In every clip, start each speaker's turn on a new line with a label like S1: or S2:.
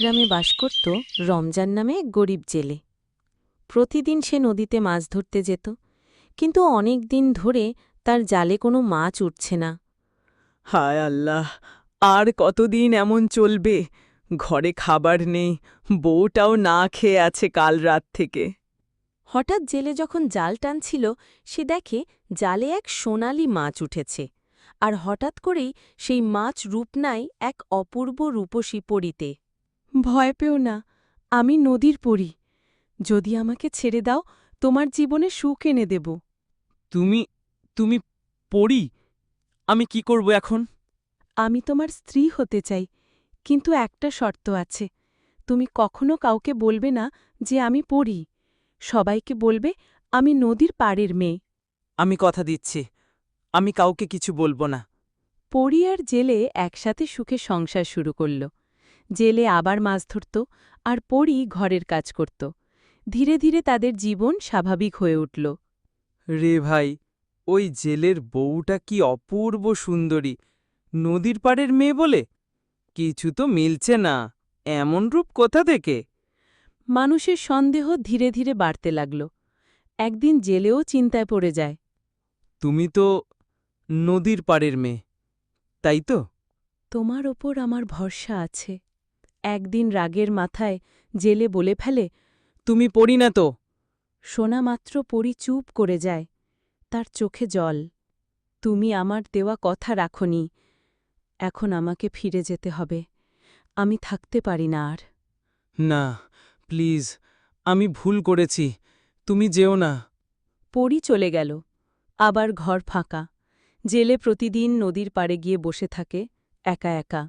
S1: গ্রামে বাস করত রমজান নামে এক গরিব জেলে। প্রতিদিন সে নদীতে মাছ ধরতে যেত, কিন্তু অনেক দিন ধরে তার জালে কোনো মাছ উঠছে না।
S2: হায় আল্লাহ, আর কতদিন এমন চলবে? ঘরে খাবার নেই, বউটাও না খেয়ে আছে কাল রাত থেকে।
S1: হঠাৎ জেলে যখন জাল টানছিল, সে দেখে জালে এক সোনালি মাছ উঠেছে, আর হঠাৎ করেই সেই মাছ রূপ নেয় এক অপূর্ব রূপসী পরীতে। ভয় পেও না, আমি নদীর পরী। যদি আমাকে ছেড়ে দাও, তোমার জীবনে সুখ এনে দেব।
S2: তুমি তুমি পড়ি? আমি কি করব এখন?
S1: আমি তোমার স্ত্রী হতে চাই, কিন্তু একটা শর্ত আছে। তুমি কখনো কাউকে বলবে না যে আমি পড়ি। সবাইকে বলবে আমি নদীর পাড়ের মেয়ে।
S2: আমি কথা দিচ্ছি, আমি কাউকে কিছু বলবো না।
S1: পড়ি আর জেলে একসাথে সুখে সংসার শুরু করল। জেলে আবার মাছ ধরত, আর পড়ি ঘরের কাজ করত। ধীরে ধীরে তাদের জীবন স্বাভাবিক হয়ে উঠল।
S2: রে ভাই, ওই জেলের বউটা কি অপূর্ব সুন্দরী! নদীর পাড়ের মেয়ে বলে? কিছু তো মিলছে না, এমন রূপ কোথা থেকে?
S1: মানুষের সন্দেহ ধীরে ধীরে বাড়তে লাগল। একদিন জেলেও চিন্তায় পড়ে যায়।
S2: তুমি তো নদীর পাড়ের মেয়ে, তাই তো?
S1: তোমার ওপর আমার ভরসা আছে। একদিন রাগের মাথায় জেলে বলে ফেলে,
S2: তুমি পড়ি না তো?
S1: শোনা মাত্র পড়ি চুপ করে যায়, তার চোখে জল। তুমি আমার দেওয়া কথা রাখনি, এখন আমাকে ফিরে যেতে হবে। আমি থাকতে পারি না আর।
S2: না, প্লিজ, আমি ভুল করেছি, তুমি যেও না।
S1: পড়ি চলে গেল। আবার ঘর ফাঁকা। জেলে প্রতিদিন নদীর পাড়ে গিয়ে বসে থাকে, একা একা।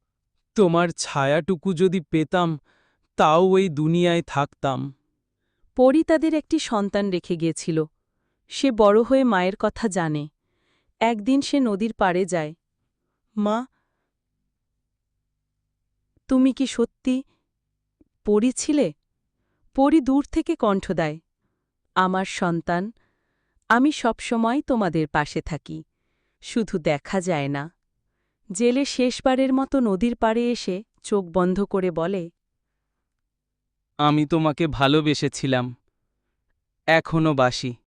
S2: তোমার ছায়াটুকু যদি পেতাম, তাও ওই দুনিয়ায় থাকতাম।
S1: পড়ি তাদের একটি সন্তান রেখে গিয়েছিল। সে বড় হয়ে মায়ের কথা জানে। একদিন সে নদীর পাড়ে যায়। মা, তুমি কি সত্যি পড়ি ছিলে? পড়ি দূর থেকে কণ্ঠ দেয়, আমার সন্তান, আমি সবসময় তোমাদের পাশে থাকি, শুধু দেখা যায় না। জেলে শেষবারের মতো নদীর পাড়ে এসে চোখ বন্ধ করে বলে,
S2: আমি তোমাকে ভালোবেসেছিলাম, এখনো বাসি।